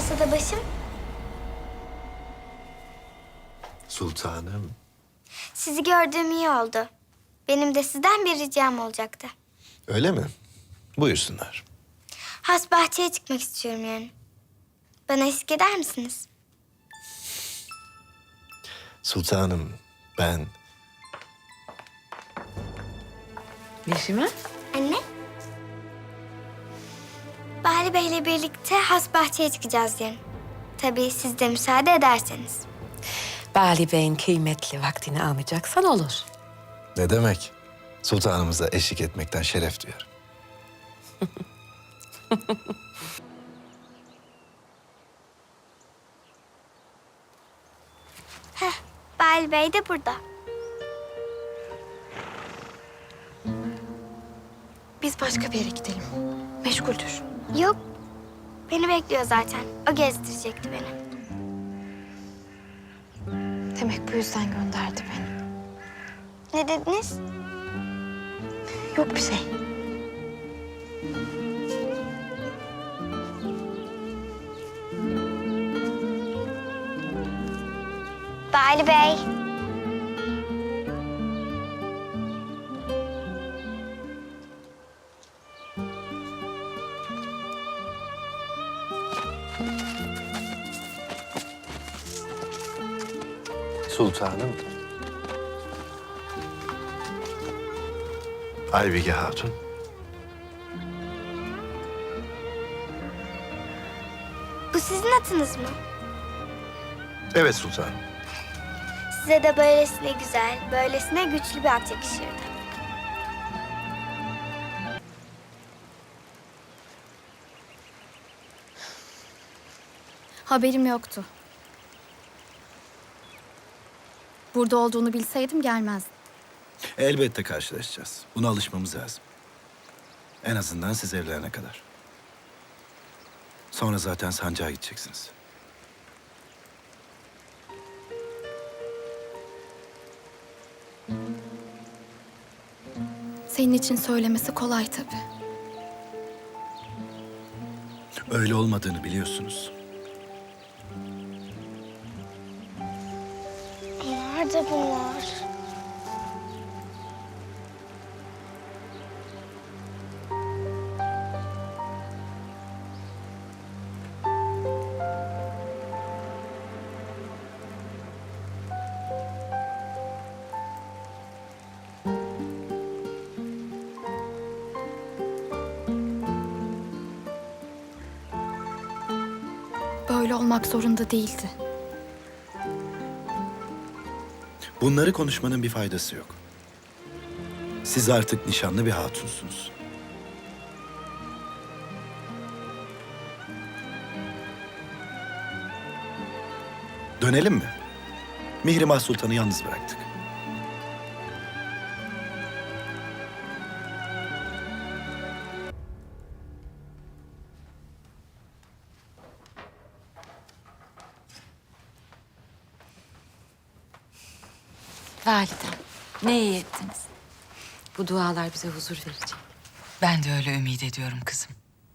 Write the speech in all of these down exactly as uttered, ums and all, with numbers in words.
masada başım? Sultanım. Sizi gördüğüm iyi oldu. Benim de sizden bir ricam olacaktı. Öyle mi? Buyursunlar. Has bahçeye çıkmak istiyorum yani. Bana eşlik eder misiniz? Sultanım, ben... Yeşime? Anne? Bahri Bey'le birlikte has bahçeye çıkacağız yarın. Tabii siz de müsaade ederseniz. Bali Bey'in kıymetli vaktini almayacaksan olur. Ne demek? Sultanımıza eşlik etmekten şeref duyarım. Heh, Bahri Bey de burada. Biz başka bir yere gidelim. Meşguldür. Yok, beni bekliyor zaten. O gezdirecekti beni. Demek bu yüzden gönderdi beni. Ne dediniz? Yok bir şey. Bahri Bey. Sultanım. Aybige Hatun. Bu sizin atınız mı? Evet sultanım. Size de böylesine güzel, böylesine güçlü bir at yakışırdı. Haberim yoktu. Burada olduğunu bilseydim gelmezdim. Elbette karşılaşacağız. Buna alışmamız lazım. En azından siz evlerine kadar. Sonra zaten sancağa gideceksiniz. Senin için söylemesi kolay tabii. Öyle olmadığını biliyorsunuz. Nerede bunlar? Böyle olmak zorunda değildi. Bunları konuşmanın bir faydası yok. Siz artık nişanlı bir hatunsunuz. Dönelim mi? Mihrimah Sultan'ı yalnız bıraktık. Validem, ne iyi ettiniz. Bu dualar bize huzur verecek. Ben de öyle ümit ediyorum kızım.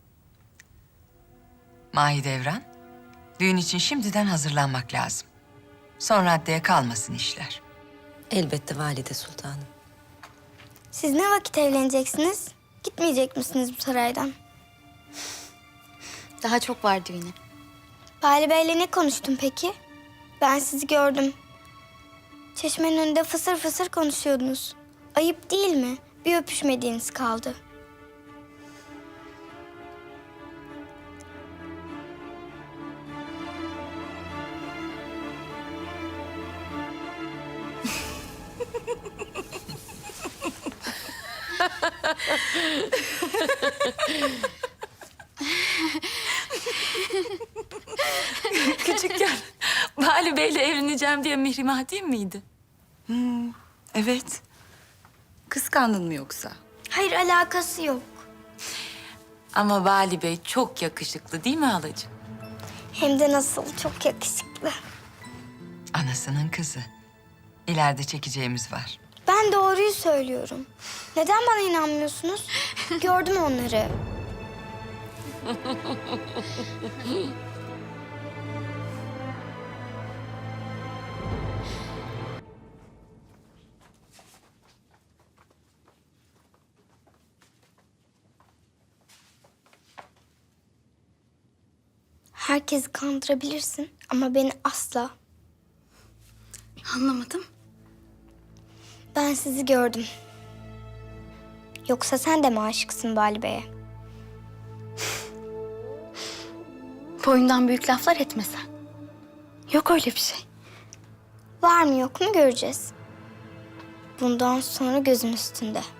Mahidevran, düğün için şimdiden hazırlanmak lazım. Son raddeye kalmasın işler. Elbette valide sultanım. Siz ne vakit evleneceksiniz? Gitmeyecek misiniz bu saraydan? Daha çok var düğüne. Bahri Bey'le ne konuştun peki? Ben sizi gördüm. Çeşmenin önünde fısır fısır konuşuyordunuz. Ayıp değil mi? Bir öpüşmediğiniz kaldı. Küçükken Bali Bey'le evleneceğim diye Mihrimah değil miydi? Evet. Kıskandın mı yoksa? Hayır, alakası yok. Ama Bali Bey çok yakışıklı değil mi halacığım? Hem de nasıl, çok yakışıklı. Anasının kızı. İleride çekeceğimiz var. Ben doğruyu söylüyorum. Neden bana inanmıyorsunuz? Gördüm onları. Herkesi kandırabilirsin ama beni asla. Anlamadım. Ben sizi gördüm. Yoksa sen de mi aşıksın Bali Bey'e? Boyundan büyük laflar etmesen. Yok öyle bir şey. Var mı yok mu göreceğiz. Bundan sonra gözüm üstünde.